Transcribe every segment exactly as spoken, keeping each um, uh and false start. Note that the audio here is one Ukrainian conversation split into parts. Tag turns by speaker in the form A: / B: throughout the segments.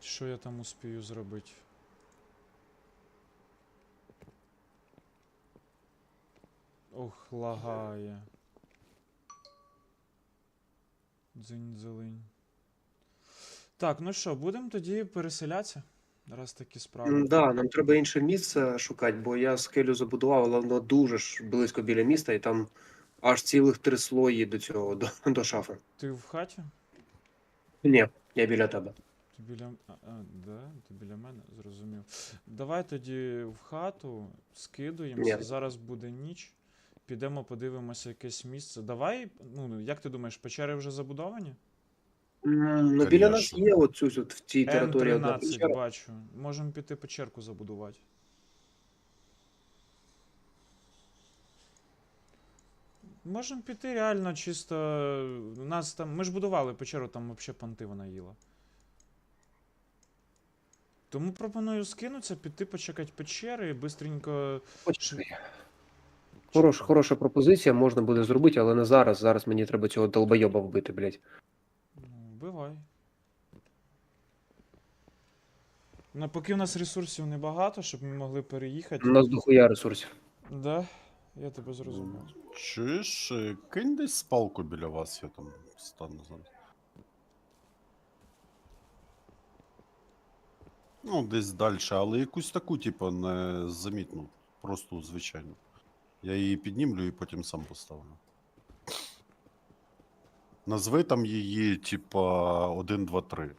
A: Що я там успію зробити? Ох, лагає. Дзинь-дзелинь. Так, ну що, будемо тоді переселятися? Раз такі справи.
B: М, Да, нам треба інше місце шукати, бо я скелю забудував, але воно дуже ж близько біля міста, і там аж цілих три слої до цього, до, до шафи.
A: Ти в хаті?
B: Ні, я біля тебе.
A: Ти біля. А, а, да? Ти біля мене? Зрозумів. Давай тоді в хату скидуємося.
B: Ні.
A: Зараз буде ніч. Підемо подивимося якесь місце. Давай, ну, як ти думаєш, печери вже забудовані?
B: М, Ну, біля нас
C: Конечно.
B: є оцю от в цій
A: Н
B: території одна
A: тринадцять
B: печера.
A: бачу. Можемо піти печерку забудувати. Можемо піти реально чисто. У нас там. Ми ж будували печеру, там взагалі панти вона їла. Тому пропоную скинутися, піти почекати печери і бистренько.
B: Почекай. Хорош, хороша пропозиція, можна буде зробити, але не зараз. Зараз мені треба цього долбойоба вбити, блядь.
A: Ну, вбивай. Ну, поки у нас ресурсів небагато, щоб ми могли переїхати.
B: У нас дохуя ресурсів.
A: Да, я тебе зрозумів.
C: Чуєш, е, кинь десь спалку біля вас, я там стану зараз. Ну, десь далі, але якусь таку, типу, незамітну. Просто звичайну. Я її піднімлю і потім сам поставлю. Назви там її, типа, один, два, три.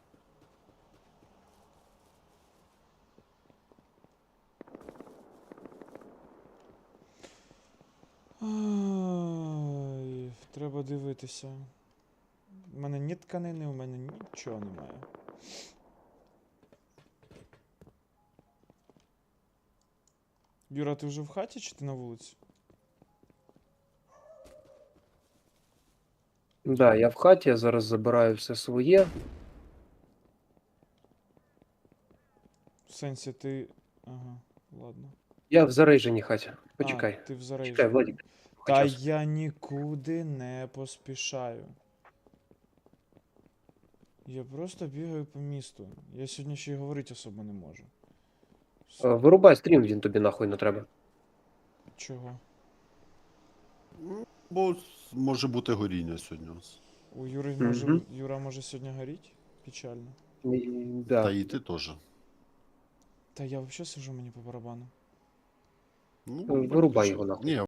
A: Ай, треба дивитися. У мене ні тканини, у мене нічого немає. Юра, ти вже в хаті чи ти на вулиці?
B: Да, я в хаті, я зараз забираю все своє.
A: В сенсі ти. Ага, ладно.
B: Я в зарейженій хаті. Почекай.
A: А, ти в
B: Чекай,
A: зарейжі.
B: Владик.
A: Та
B: Час.
A: я нікуди не поспішаю. Я просто бігаю по місту. Я сьогодні ще й говорити особо не можу. С-
B: Е, Вирубай стрім, він тобі нахуй не треба.
A: Чого?
C: Ну, бо с- може бути горіння сьогодні у вас.
A: У Юри може.
B: Мгм.
A: Юра може сьогодні горіть? Печально.
B: І- Да.
C: Та і ти теж.
A: Та я взагалі сижу мені по барабану.
C: Ну,
B: Вирубай
C: виключи.
B: його нахуй.
C: Ні,